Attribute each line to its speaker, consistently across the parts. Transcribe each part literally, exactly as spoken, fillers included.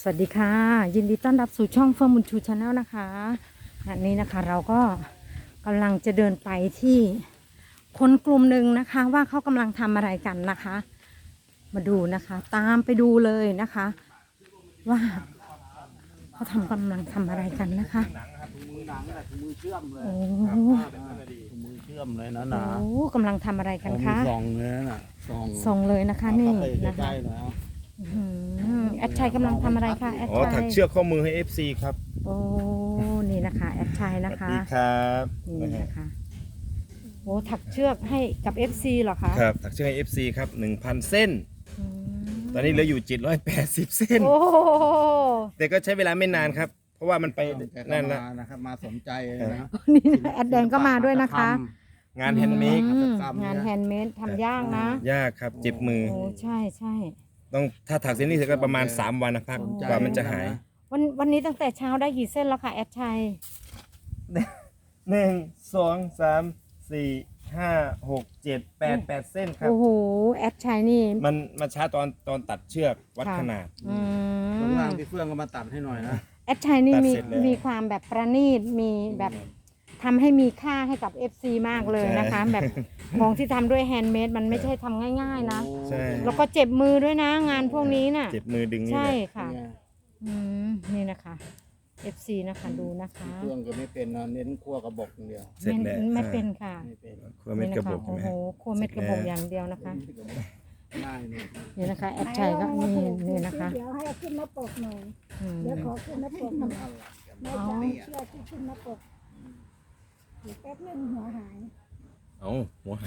Speaker 1: สวัสดีค่ะยินดีต้อนรับสู่ช่องเฟิร์มบุญชูชาแนลนะคะอันนี้นะคะเราก็กำลังจะเดินไปที่คนกลุ่มหนึ่งนะคะว่าเขากำลังทำอะไรกันนะคะ มาดูนะคะตามไปดูเลยนะคะ ว่าเขาทำกำลังทำอะไรกันนะคะโอ้โห
Speaker 2: มือเชื่อมเลยนะ
Speaker 1: โอ้
Speaker 2: นะ
Speaker 1: โหกำลังทำอะไรกันคะ
Speaker 2: ซองเลยนะซอง
Speaker 1: ส่งเลยนะคะนี่นะคะ
Speaker 2: ใกล้ๆแล้ว
Speaker 1: อื้อหือแอดชัยกำลังทำอะไรคะแอด
Speaker 3: อ๋อ
Speaker 1: ชั
Speaker 3: ถั
Speaker 1: ย
Speaker 3: กเชือกข้อมือให้ เอฟ ซี ครับ
Speaker 1: โอ้นี่นะคะแอดชัย
Speaker 3: ส
Speaker 1: นะ
Speaker 3: วัส
Speaker 1: คะ
Speaker 3: ดีครับ
Speaker 1: นี่นะคะโอ้ถักเชือกให้กับ เอฟ ซี เหรอคะ
Speaker 3: ครับ ถักเชือกให้ เอฟ ซี ครับ หนึ่งพัน เส้น
Speaker 1: อืม
Speaker 3: ตอนนี้เหลืออยู่ เจ็ดร้อยแปดสิบ เส้น
Speaker 1: โอ้โห
Speaker 3: แต่ก็ใช้เวลาไม่นานครับ เพราะว่ามันไป
Speaker 2: แกก็
Speaker 3: นั่นละ
Speaker 2: มานะครับมาสนใจนะ
Speaker 1: นี่นะแอดแดงก็มาด้วยนะคะ
Speaker 3: งานแฮนด์เมด
Speaker 1: อืมงานแฮนด์เมดทำยากนะ
Speaker 3: ยากครับ เจ็บมือ
Speaker 1: โอ้ใช่ใช่
Speaker 3: ต้องถ้าถักเส้นนี้เสร็จก็ประมาณ สาม วันนะครับ กว่ามันจะหาย
Speaker 1: วันวันนี้ตั้งแต่เช้าได้กี่เส้นแล้วคะแอดชัย
Speaker 3: หนึ่ง สอง สาม สี่ ห้า หก เจ็ด แปด แปด เส้นครับ
Speaker 1: โอ้โหแอดชัยนี่
Speaker 3: มันมาช้าตอนตอนตัดเชือกวัด
Speaker 1: ค่ะ
Speaker 3: ขนาด
Speaker 1: อื
Speaker 2: ข้าง
Speaker 1: ม
Speaker 2: ล่างที่เฟื่องก็มาตัดให้หน่อยนะ
Speaker 1: แอดชัยนี่มี
Speaker 3: ตัดเสร็จแล้ว
Speaker 1: มีความแบบประณีตมีแบบทำให้มีค่าให้กับ เอฟ ซี มากเลยนะคะ
Speaker 3: ใช่
Speaker 1: แบบของที่ทำด้วยแฮนด์เมดมันไม่ใช่ทำง่ายๆนะ
Speaker 3: ใช่
Speaker 1: แล้วก็เจ็บมือด้วยนะงานพวกนี้น่ะ
Speaker 3: เจ็บมือดึงนี่
Speaker 1: ใช่
Speaker 3: แหละ
Speaker 1: ค่ะ
Speaker 2: เนี่ย
Speaker 1: อืมนี่นะคะ เอฟ ซี นะคะดูนะคะ
Speaker 2: เฟื่องก็ไม่เป็นนะเน้นคั่วกระบอกอย่างเดียว
Speaker 3: เสร็จ
Speaker 1: ไม่
Speaker 3: แล้ว
Speaker 1: ไม่เป็นค่ะ
Speaker 2: ไม่เป็น
Speaker 3: ครัวเม็ดกระบอก
Speaker 1: โอ้
Speaker 3: ใช่ไหม
Speaker 1: โหครัวเม็ดกระบอกอย่างเดียวนะคะ
Speaker 2: ง่ายเนี่ย
Speaker 1: นี่นะคะแอดชัยก็นี่นี่นะคะ
Speaker 4: เดี๋ยวให้เอาขึ้นหน้าปกหน่อย
Speaker 1: อืม
Speaker 4: เดี๋ยวขอขึ้นหน้าปกหน่อยไม่จะเอาเชือกที่ขึ้นหน้าปกเดี๋ยวแป๊บนึงหัวหาย
Speaker 3: เอาหัวหาย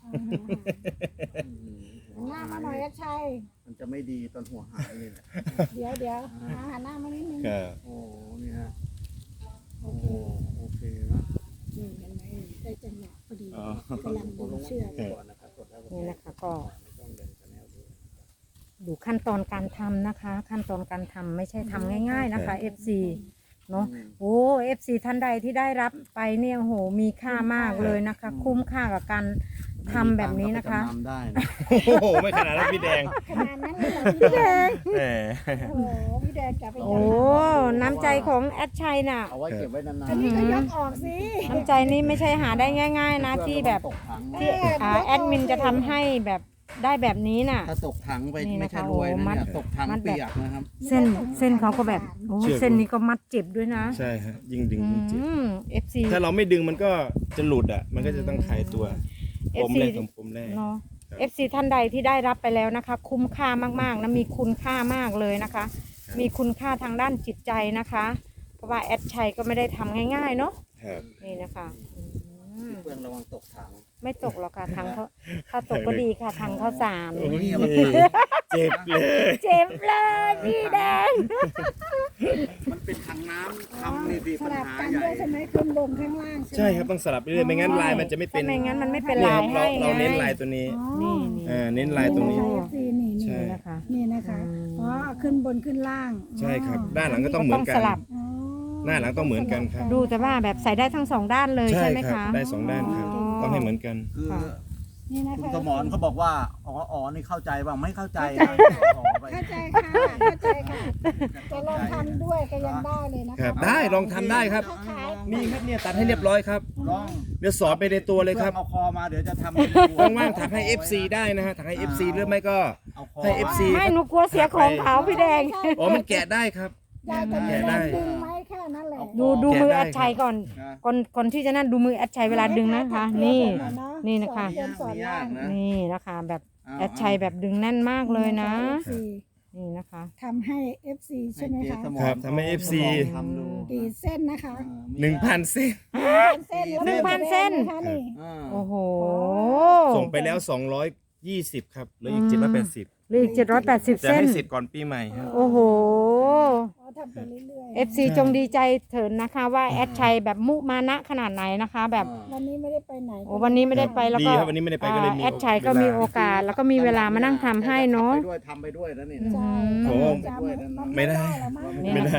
Speaker 4: เอาหัวหายหันหน้ามาหน่อยนะชัย
Speaker 2: มันจะไม่ดีตอนหัวหายนี่แหละ
Speaker 4: เดี๋ยวเดี๋ยวหาหันหน้ามานิดนึง
Speaker 3: ครับ
Speaker 2: โอ้นี่ฮะ
Speaker 4: โอ
Speaker 2: โอ้
Speaker 4: เค
Speaker 2: โอเคนะ
Speaker 4: นี่เห็นไหมได้จังหวะพอดีกำลังดึงเชือก
Speaker 2: ก่อนนะครับกดแล้ว
Speaker 1: นี่นะคะก็
Speaker 2: ไม่ต้องเดินกันแนวดู
Speaker 1: ดูขั้นตอนการทำนะคะ ขั้นตอนการทำไม่ใช่ทำง่าย ๆนะคะ เอฟ ซี เนาะโอ้ เอฟ ซี ท่านใดที่ได้รับไปเนี่ยโอ้โหมีค่ามากเลยนะคะ คุ้มค่ากับการทำแบบนี้นะคะ
Speaker 2: ทำได้นะ
Speaker 3: โอ้โห ไม่ขนาดนั้นพี่แดง
Speaker 4: ขนาดนั้นเลยเหรอพี่แดง
Speaker 3: แหม
Speaker 4: โอ้โหพี่แดงจะไป
Speaker 1: โอ้น้ำใจของแอดชัยน่ะ
Speaker 2: เอาไว้เก็บไว้นานๆ
Speaker 4: อันนี้ก็ยกออกสิ
Speaker 1: น้ำใจนี่ไม่ใช่หาได้ง่าย ๆ นะที่แบบ
Speaker 2: ตกถัง
Speaker 1: ที่อ่าแอดมินจะทำให้แบบได้แบบนี้น่ะ
Speaker 2: ถ้าตกถังไป
Speaker 1: นี่นะคะ
Speaker 2: ไม่ใช่รวยนะ
Speaker 1: โอ้มัด
Speaker 2: เนี่ยตกถัง
Speaker 1: มัดแบบ
Speaker 2: เปียกนะครับ
Speaker 1: เส้นเส้นเขาก็แบบโอ้เส้นนี้ก็มัดเจ็บด้วยนะ
Speaker 3: ใช่ฮะยิ่งดึง
Speaker 1: อื
Speaker 3: ยิ่งเจ็บ
Speaker 1: ม เอฟ ซี
Speaker 3: ถ้าเราไม่ดึงมันก็จะหลุดอ่ะ มันก็จะต้องคลายตัว
Speaker 1: เอ
Speaker 3: ป
Speaker 1: ฟ
Speaker 3: ม
Speaker 1: ซี
Speaker 3: แรกของปมแรก
Speaker 1: เนาะ
Speaker 3: ครับ
Speaker 1: เอฟซีท่านใดที่ได้รับไปแล้วนะคะ คุ้มค่ามากๆนะมีคุณค่ามากเลยนะคะ มีคุณค่าทางด้านจิตใจนะคะ เพราะว่าแอดชัยก็ไม่ได้ทำง่ายๆเนาะ
Speaker 3: ครับ
Speaker 1: นี่นะคะอืม
Speaker 2: เพื่อนระวังตกถัง
Speaker 1: ไม่ตกหรอกค่ะทางเขาถ้าตกก็ดีค่ะทางเขาสาร
Speaker 3: โอ้ยเจ็บเลย
Speaker 1: เจ็บเลยพี่แดง
Speaker 2: มันเป็นถังน้ำทำนี่สิ
Speaker 4: ส
Speaker 2: ปัญ
Speaker 4: ลับ
Speaker 2: หา
Speaker 4: กัน
Speaker 2: ใหญ่
Speaker 4: ด้วยใช่ไหมขึ้นลงข้างล่างใช่ไหม
Speaker 3: ใช่ครับต้องสลับไปเรื่อยไม่งั้นลายมันจะไม่เป็น
Speaker 1: ถ้าไม่งั้นมันไม่เป็น
Speaker 3: เนี่ย
Speaker 1: ลา
Speaker 3: ค
Speaker 1: ย
Speaker 3: รับเรา
Speaker 1: ให้
Speaker 3: เราเน้น
Speaker 1: ไง
Speaker 3: ลายตัวนี้
Speaker 4: อ๋อ
Speaker 1: นี่นี่
Speaker 3: เออเน้นลายตรงนี้
Speaker 4: นี่นะคะ เอฟซีนี่นี่
Speaker 3: ใช่
Speaker 1: นี่นะคะ
Speaker 4: นี่นะคะ
Speaker 1: อืม
Speaker 4: อ๋อขึ้นบนขึ้นล่าง
Speaker 3: ใช่ครับ
Speaker 4: อ๋อ
Speaker 3: ด้านหลังก็ต้องเหมือนกัน
Speaker 1: ต้องสลับ
Speaker 4: อ๋อ
Speaker 3: หน้าหลังต้องเหมือนกันครับ
Speaker 1: ดูแต่ว่าแบบใส่ได้ทั้งสองด้านเลย
Speaker 3: ใช่
Speaker 1: ใช่ไหม
Speaker 3: ครั
Speaker 1: คะ
Speaker 3: บได้สองด้านครับ
Speaker 1: อ๋อ
Speaker 3: ต้องให้เหมือนกัน
Speaker 2: คือ
Speaker 1: ค่ะ
Speaker 4: นี่นะ
Speaker 2: คุณ
Speaker 4: คะ
Speaker 2: สมรเขาบอกว่าอ๋ออ๋อนี่เข้าใจบ้างไม่เข้าใจอ๋อไป
Speaker 4: เข้าใจค่ะเข้าใจค่ะจะลองทำด้วยก็ยังได้เลยนะ
Speaker 3: ครั
Speaker 4: คะ
Speaker 3: บ ได้ลองทำได้ครับ
Speaker 4: ขาย
Speaker 3: มีครับเนี่ยตัดให้เรียบร้อยครับ
Speaker 2: ลอง
Speaker 3: เดี๋ยวสอนไปในตัวเลยครับ
Speaker 2: เอาคอมาเดี๋ยวจะทำ
Speaker 3: ว่างๆถักให้ เอฟ ซี ได้นะฮะถักให้ เอฟ ซี หรือไม่ก็
Speaker 2: เอาคอ
Speaker 3: ให้ เอฟ ซี
Speaker 1: ไม่หนูกลัวเสียของเขาพี่แดง
Speaker 3: อ๋อมันแกะได้ครับ
Speaker 4: ยายจะมี
Speaker 3: แกะ
Speaker 4: แร
Speaker 3: ได้
Speaker 4: งดึงไหมแค่นั้นแหละ
Speaker 1: ดูดูมือแอดชัยก่อน
Speaker 2: นะ
Speaker 1: ก่อนก่อนที่จะนั่นดูมือแอดชัยเวลาดึงนะคะ นี่ นี่นะคะ
Speaker 4: สอสอนล่าง
Speaker 1: นี่นะคะ แบบแอดชัยแบบดึงแน่นมากเลยนะ
Speaker 4: เอฟซี
Speaker 1: นี่นะคะ
Speaker 4: ทำให้ เอฟ ซี ใช่ไหมคะ
Speaker 3: ครับทำให้ เอฟ ซี
Speaker 2: ทำดู
Speaker 4: กี่เส้นนะคะ
Speaker 3: หนึ่งพันเส้น
Speaker 4: เส้นแล้ว
Speaker 1: หนึ่งพันเส้น
Speaker 4: คะนี่
Speaker 2: อ่า
Speaker 1: โอ้โห
Speaker 3: ส่งไปแล้ว สองร้อยยี่สิบ ครับเหลืออีกเจ็ดร้อยแปดสิบ
Speaker 1: เหลืออีกเจ็ดร้อยแปดสิบ
Speaker 3: จะ
Speaker 1: เส้น
Speaker 3: ให้เสร็จก่อนปีใหม่ครับ
Speaker 1: โอ้โห
Speaker 4: อ๋อทำไปเรื่อย
Speaker 1: เอฟซีจงดีใจเถิดนะคะว่าแอดชัยแบบมุมานะขนาดไหนนะคะ แบบ
Speaker 4: ๆวันนี้ไม่ได้ไปไหน
Speaker 1: โอ้วันนี้ไม่ได้ไปแล้ว
Speaker 3: ดี
Speaker 1: ก็
Speaker 3: ครับวันนี้ไม่ได้ไปก็เลยมี
Speaker 1: แอดชัยก็มีโอกาสแล้วก็มีเวลามานั่งทำให้เนาะ
Speaker 2: ไปด้วยทำไปด้วยนะนี่นะ
Speaker 4: ใช่
Speaker 3: โอ้
Speaker 4: จะ
Speaker 3: ไม่ได้
Speaker 4: หรอกมั้ง
Speaker 1: นี่
Speaker 3: ไม่ได้
Speaker 4: ไม่ได้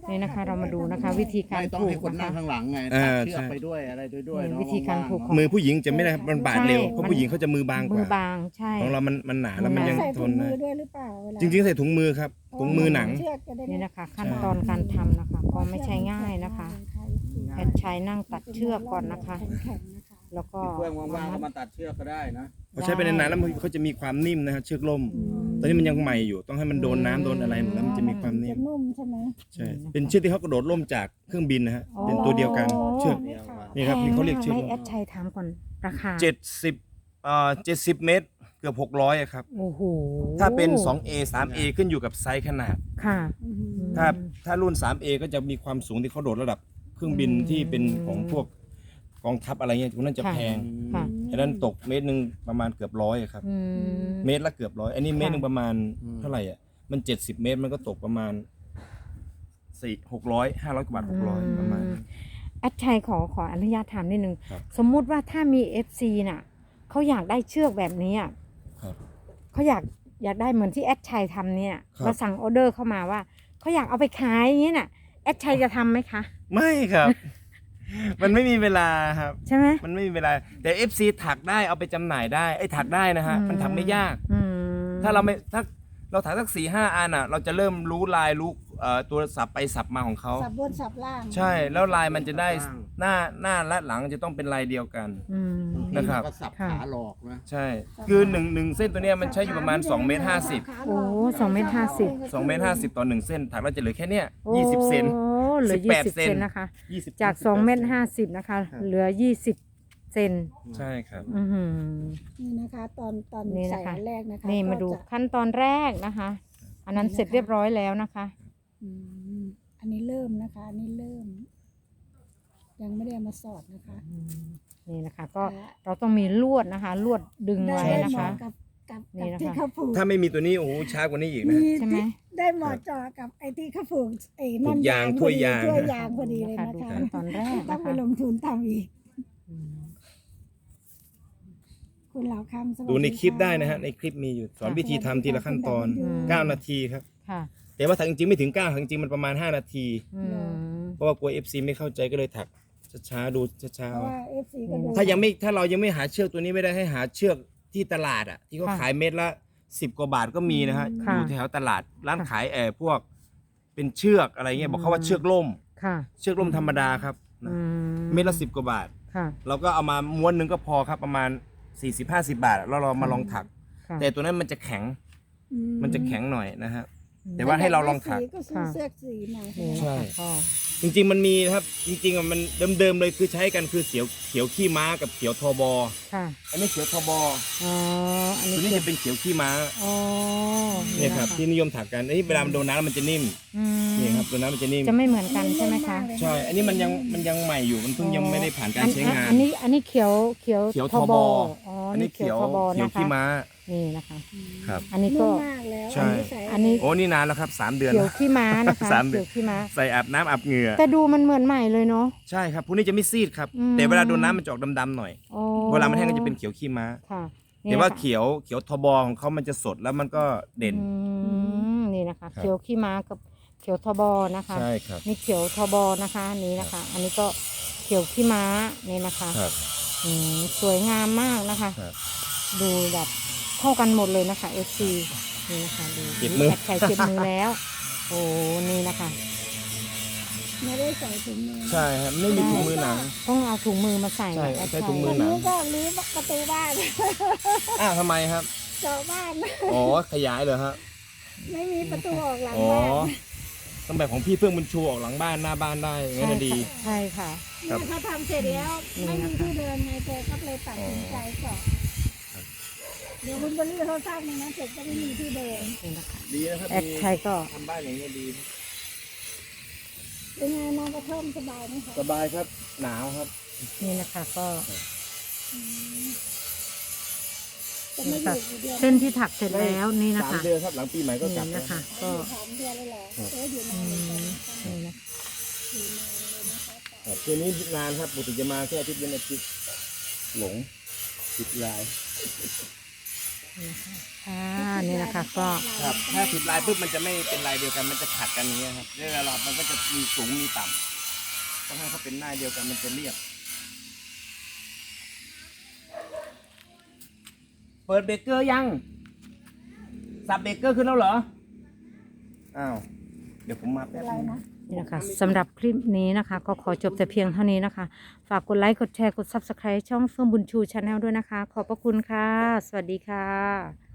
Speaker 1: นี่นะคะ เรามาดูนะคะ วิธีการ
Speaker 2: ไม่ต้อง
Speaker 1: ผู
Speaker 2: ให้
Speaker 1: ก
Speaker 2: คน
Speaker 1: นะ
Speaker 2: นั่ง
Speaker 1: คะ
Speaker 2: ข้างหลังไง
Speaker 3: อ่า
Speaker 2: ตัดเชือก
Speaker 3: ใช่
Speaker 2: ไปด้วยอะไรด้วยด้วย
Speaker 1: นี่
Speaker 2: เนาะ
Speaker 1: วิธีการผูก
Speaker 2: ว่งๆ
Speaker 3: มือผู้หญิงจะไม่ได้ครับมันบาดเร็ว
Speaker 1: ใช่
Speaker 3: เพราะผู้หญิงเขาจะมือบางก
Speaker 1: มือ
Speaker 3: ว่า
Speaker 1: บางใช่
Speaker 3: ของเรามันมันหนาแล้วมันยัง
Speaker 4: ใส่
Speaker 3: ท
Speaker 4: ถุ
Speaker 3: น
Speaker 4: งมื
Speaker 3: ได้
Speaker 4: อด้วยหรือเปล่าเวลา
Speaker 3: จริงๆใส่ถุงมือครับถุงมือหนัง
Speaker 4: เชือกจะได้ไม่
Speaker 1: นี่นะคะ ขั้นตอนการทำนะคะก็ไม่ใช่ง่ายนะคะแอดชัยนั่งตัดเชือกก่อนนะคะ
Speaker 4: แข็งๆนะคะ
Speaker 1: แล้วก็
Speaker 2: เพื่อนว่างๆก็มาตัดเชือกก็ได้นะ
Speaker 3: พอใช้ไปนานๆแล้วมันเขาจะมีความนิ่มนะครับเชือกล่ม ตอนนี้มันยังใหม่อยู่ต้องให้มันโดนน้ำโดนอะไรแล้วมันจะมีความนิ่
Speaker 4: จะ
Speaker 3: ม
Speaker 4: นุ่มใช่ไหม
Speaker 3: ใช่เป็นเชือกที่เขากระโดดล่มจากเครื่องบินนะฮะเป็นตัวเดียวกันเชือก
Speaker 2: เดียวกัน
Speaker 3: นี่ครับนี่เขาเรียกเชือก
Speaker 1: ให้
Speaker 3: ล่ม
Speaker 1: แอดชัยถามก่อนราคา
Speaker 3: เจ็ดสิบเอ่อเจ็ดสิบเมตรเกือบหกร้อยครับ
Speaker 1: โอ้โห
Speaker 3: ถ้าเป็น สองเอ สามเอ ขึ้นอยู่กับไซส์ขนาด
Speaker 1: ค่ะ
Speaker 4: อือหือ
Speaker 3: ถ้าถ้ารุ่น สามเอ ก็จะมีความสูงที่เขาโดดระดับเครื่องบินที่เป็นของพวกกองทัพอะไรเงี้ยพวกนั้นจะ
Speaker 1: ค่ะ
Speaker 3: แพง
Speaker 1: ค่ะ
Speaker 3: อันนั้นตกเมตรหนึ่งประมาณเกือบร้อยครับ
Speaker 1: อืม
Speaker 3: เมตรละเกือบร้อยอันนี้เมตรหนึ่งประมาณ
Speaker 2: อืม
Speaker 3: เท่าไหร่อ่ะมันเจ็ดสิบเมตรมันก็ตกประมาณสี่หกร้อยห้าร้อยกว่าบาทหกร้อยประมาณนั้น
Speaker 1: แอดชัยขอขออนุญาตถามนิดนึง
Speaker 3: ครับ
Speaker 1: สมมุติว่าถ้ามี เอฟ ซี น่ะเขาอยากได้เชือกแบบนี้อะ
Speaker 3: ครับ
Speaker 1: เขาอยากอยากได้เหมือนที่แอดชัยทำเนี่ย
Speaker 3: ครับ
Speaker 1: เราสั่งออเดอร์เข้ามาว่าเขาอยากเอาไปขายอย่างนี้น่ะแอดชัยจะทำไหมคะ
Speaker 3: ไม่ครับ มันไม่มีเวลาครับ
Speaker 1: ใช่ไหม
Speaker 3: มันไม่มีเวลาแต่ เอฟ ซี ถักได้เอาไปจำหน่ายได้ไอ้ยถักได้นะฮะ
Speaker 1: อืม
Speaker 3: มันถักไม่ยาก
Speaker 1: อืม
Speaker 3: ถ้าเราไม่ถ้าเราถักสักสี่ห้าอันอ่ะ เราจะเริ่มรู้ลายรู้เอ่อตัวสับไปสับมาของเขา
Speaker 4: สับบนสับล่าง
Speaker 3: ใช่แล้วลายมันจะได้หน้าหน้าและหลังจะต้องเป็นลายเดียวกัน
Speaker 1: อืม
Speaker 3: นะครับ
Speaker 2: ก็สับ
Speaker 1: ค่ะ
Speaker 2: ขาหลอกนะ
Speaker 3: ใช่ คือหนึ่งหนึ่งเส้นตัวเนี้ยมันใช้อยู่ประมาณสองเมตรห้าสิบ
Speaker 1: โอ้สองเมตรห้าสิบ
Speaker 3: สองเมตรห้าสิบต่อหนึ่งเส้นถักแล้วจะเหลือแค่เนี้ยยี่สิบเซน
Speaker 1: โอ้เหลือ
Speaker 3: สิบ
Speaker 1: ยี่
Speaker 3: แปด
Speaker 1: สิบ
Speaker 3: เซ
Speaker 1: เซ
Speaker 3: น
Speaker 1: นนะคะ
Speaker 3: ยี่สิบ
Speaker 1: จากสองเมตรห้าสิบนะคะ เหลือยี่สิบเซน
Speaker 3: ใช่ครับ
Speaker 1: อือหือ
Speaker 4: นี่นะคะ ตอนตอน
Speaker 1: นี่
Speaker 4: ใส่
Speaker 1: นะคะ
Speaker 4: อันแรกนะคะ
Speaker 1: นี่มาดู
Speaker 4: ก็จะ
Speaker 1: ขั้นตอนแรกนะคะ อันนั้นเสร็จเรียบร้อยแล้วนะคะ
Speaker 4: อืมอันนี้เริ่มนะคะ อันนี้เริ่ม ยังไม่ได้เอามาสอดนะคะ
Speaker 1: นี่นะคะ ก็เราต้องมีลวดนะคะ ลวดดึง
Speaker 4: ได้
Speaker 1: ไว้
Speaker 4: ได้
Speaker 1: นะ
Speaker 4: เหมาะ
Speaker 1: คะ
Speaker 4: กับกับ
Speaker 1: นี่
Speaker 4: กับ
Speaker 1: นะคะ
Speaker 4: ที่เขาผูก
Speaker 3: ถ้าไม่มีตัวนี้โอ้โหช้ากว่านี้อีกนะ
Speaker 4: มี
Speaker 1: ใช่ไหม
Speaker 4: ที่ได้เหมาะเจอกับไอ้ที่เขาผูกไอ้นั่น
Speaker 3: ผูกยาง
Speaker 4: พอดี
Speaker 3: ถ้วยยาง
Speaker 4: ถ้วยยางพอดีเลย
Speaker 1: นะคะ
Speaker 4: นะ
Speaker 1: ดู
Speaker 4: คะ
Speaker 1: ขั้นตอนแรก
Speaker 4: ต้อ
Speaker 1: นะ
Speaker 4: งไป
Speaker 1: คะ
Speaker 4: ลงทุนทำอีก
Speaker 1: อืม
Speaker 4: คุณเหล่าคำสวัส
Speaker 3: ดูในคลิปได้นะฮะ
Speaker 4: ค่
Speaker 3: ในคลิปมีอยู่สอนวิธีทำทีละขั้นตอน
Speaker 4: อืม
Speaker 3: เก้านาทีครับ
Speaker 1: ค่ะ
Speaker 3: แต่ว่าถักจริงๆไม่ถึงเก้าถักจริงๆมันประมาณห้านาที
Speaker 1: อืม
Speaker 3: เพราะว่ากลัว เอฟ ซี ไม่เข้าใจก็เลยถักช้าๆดูช้า
Speaker 4: เพราะว่าเอฟซีก็ดู
Speaker 3: ๆถ้ายังไม่ถ้าเรายังไม่หาเชือกตัวนี้ไม่ได้ให้หาเชือกที่ตลาดอ่ะที่เขา
Speaker 1: ค่ะ
Speaker 3: ขายเม็ดละสิบกว่าบาทก็มีนะฮะ
Speaker 1: ค่ะ
Speaker 3: อยู่แถวตลาดร้าน
Speaker 1: ค่ะ
Speaker 3: ขายแอบพวก เป็นเชือกอะไรเงี้ยบอกเขาว่า
Speaker 1: อืม
Speaker 3: เชือกล่ม
Speaker 1: ค่ะ
Speaker 3: เชือกล่มธรรมดาครับ
Speaker 1: อืม
Speaker 3: เม็ดละสิบกว่าบาท
Speaker 1: ค่ะ
Speaker 3: เราก็เอามาม้วนหนึงก็พอครับประมาณสี่สิบห้าสิบบาทแล้วเรามาลองถัก
Speaker 1: ค่ะ
Speaker 3: แต่ตัวนั้นมันจะแข็ง
Speaker 4: อื
Speaker 3: มันจะแข็งหน่อยนะฮะ
Speaker 1: อืม
Speaker 3: แต่ว่าให้เราลองถัก
Speaker 4: สีก็ซื้อเสื้อสีมา
Speaker 1: นี่
Speaker 3: ใช่
Speaker 1: นะคะก็
Speaker 3: จริงๆมันมีนะครับ จริงๆอ่ะมันเดิมๆเลยคือใช้กันคือเขียวเขียวขี้ม้ากับเขียวทบ
Speaker 1: ค่ะ
Speaker 3: อันนี้เขียวทบ
Speaker 1: อ๋อ อัน
Speaker 3: ตัว
Speaker 1: นี้
Speaker 3: นี้
Speaker 1: คือ
Speaker 3: จะเป็นเขียวขี้ม้า
Speaker 1: อ๋อ
Speaker 3: เนี่ยครับที่นิยมถักกันอันนี้เวลามันโดนน้ำมันจะนิ่ม
Speaker 1: อืม
Speaker 3: นี่ครับโดนน้ำมันจะนิ่ม
Speaker 1: จะไม่เหมือนกันใช่ไหมคะ
Speaker 3: ใช่ อันนี้มันยังมันยังใหม่อยู่มันเพิ่งยังไม่ได้ผ่านการใช้งาน
Speaker 1: อันนี้อันนี้เขียวเขียว
Speaker 3: เขียว
Speaker 1: ท
Speaker 3: ท
Speaker 1: บบ อ๋อ
Speaker 3: อั
Speaker 1: อั
Speaker 3: น
Speaker 1: น
Speaker 3: นี้
Speaker 1: นี้
Speaker 3: เขี
Speaker 1: เขี
Speaker 3: ย
Speaker 1: ยว วทบ
Speaker 3: เขียว
Speaker 1: นะ
Speaker 3: ขี้
Speaker 1: คะ
Speaker 3: ม้า
Speaker 1: นี่นะคะ
Speaker 3: ครับ
Speaker 1: อันนี้
Speaker 4: นุ่
Speaker 1: ก็
Speaker 4: มมากแล้ว
Speaker 3: ใช่
Speaker 1: อันนี้
Speaker 3: โอ้นี่นานแล้วครับสามเดือน
Speaker 1: เขียว
Speaker 3: แล้ว
Speaker 1: ขี้ม้านะคะ
Speaker 3: สามเดื
Speaker 1: เขี
Speaker 3: อน
Speaker 1: ยวขี้ม้า
Speaker 3: ใส่อาบน้ำอาบเหงื่อ
Speaker 1: แต่ดูมันเหมือนใหม่เลยเนาะ
Speaker 3: ใช่ครับพวกนี้จะไม่ซีดครับ
Speaker 1: อืม
Speaker 3: แต่เวลาโดนน้ำมันจะออกดำๆหน่อย
Speaker 1: อ๋อ
Speaker 3: เวลามันแห้งก็จะเป็นเขียวขี้ม้า
Speaker 1: ค่ะ
Speaker 3: แต่ว่า
Speaker 1: นี่นะคะ
Speaker 3: เขียวเขียวทบของเขามันจะสดแล้วมันก็เด่น
Speaker 1: อืมนี่นะคะ
Speaker 3: ครับ
Speaker 1: เขียวขี้ม้ากับเขียวทบนะคะ
Speaker 3: ใช่ครับ
Speaker 1: นี่เขียวทบนะคะนี่นะคะ อันนี้ก็เขียวขี้ม้านี่นะคะ
Speaker 3: ครับ
Speaker 1: อืมสวยงามมากนะคะ
Speaker 3: ครับ
Speaker 1: ดูแบบเข้ากันหมดเลยนะคะ เอฟ ซี นี่นะคะดู
Speaker 3: เจ็บมือ
Speaker 1: แอดใช้เจ็บมือแล้ว โอ้นี่นะคะ
Speaker 4: ไม่ได้ใส่ถุงมือ
Speaker 3: ใช่ครับไม่มีถุงมือหนัง
Speaker 1: ต้องเอาถุงมือมาใส่
Speaker 3: ใช่
Speaker 1: แอด
Speaker 3: ใช้ถุงมื
Speaker 4: วั
Speaker 3: อน หนัง
Speaker 4: นี้ก็รื้อประตูบ้าน
Speaker 3: อ้าวทำไมครับ
Speaker 4: เจาะบ้าน
Speaker 3: อ๋อขยายเหรอฮะ
Speaker 4: ไม่มีประตูออกหลัง
Speaker 3: อ๋อ
Speaker 4: บ้าน
Speaker 3: ต้องแบบของพี่เพื่องบุญชูออกหลังบ้านหน้าบ้านได้งั้นนะดี
Speaker 1: ใช่ค่ะ
Speaker 3: ครับ
Speaker 4: เนี่ยเขาทำเสร็จแล้ว
Speaker 1: นี่
Speaker 4: ไม่
Speaker 1: นะ
Speaker 4: มี
Speaker 1: คะ
Speaker 4: ที่เดินไงแกก็เลยตัดสินใจเจาะเดี๋ยวคุณบริเขาสร้างในนั้นเสร็จก็ไม่มีที่เดิน
Speaker 1: นี่นะคะ
Speaker 3: ดีนะครับ
Speaker 1: แอดใช้ก็
Speaker 3: ทำบ้านอย่างนี้ดี
Speaker 4: เป็นไงนอนกระท่อมสบายไหมคะ
Speaker 3: สบายครับหนาวครับ
Speaker 1: นี่นะคะก็
Speaker 4: จะไม่อยู่อยู่เดือน
Speaker 1: เส้นที่ถักเสร็จแล้วนี่นะ
Speaker 3: สาม
Speaker 1: คะ
Speaker 3: เดือนครับหลังปีใหม่ก็กลับ
Speaker 1: นี่
Speaker 3: แล้ว
Speaker 1: นะคะ ก็
Speaker 4: สามเดือนเลยเหรอเอออยู่
Speaker 1: อื
Speaker 4: นานเลย
Speaker 1: ม
Speaker 4: นะคะ
Speaker 1: นี่นะ
Speaker 4: อยู่นานเลยนะคะ
Speaker 3: ครับตัวนี้นานครับปกติจะมาแค่อาทิตย์เว้นอาทิตย์หลงติดลาย
Speaker 1: นี่นะคะทค่ะนี่นะคะก็
Speaker 3: ครับถ้าผิดลายปุ๊บมันจะไม่เป็นลายเดียวกันมันจะขัดกันอย่างเงี้ยครับเวลาเรามันก็จะมีสูงมีต่ำต้องให้เขาเป็นหน้าเดียวกันมันจะเรียบเปิดเบรกเกอร์ยังสับเบรกเกอร์ขึ้นแล้วเหรออ้าวเดี๋ยวผมมาแป๊บนึง
Speaker 1: นี่นะคะสำหรับคลิปนี้นะคะ ก็ขอจบแต่เพียงเท่านี้นะคะ ฝากกดไลค์ กดแชร์ กด ซับสไครบ์ ช่องเฟื่องบุญชูชาแนลด้วยนะคะ ขอบพระคุณค่ะ สวัสดีค่ะ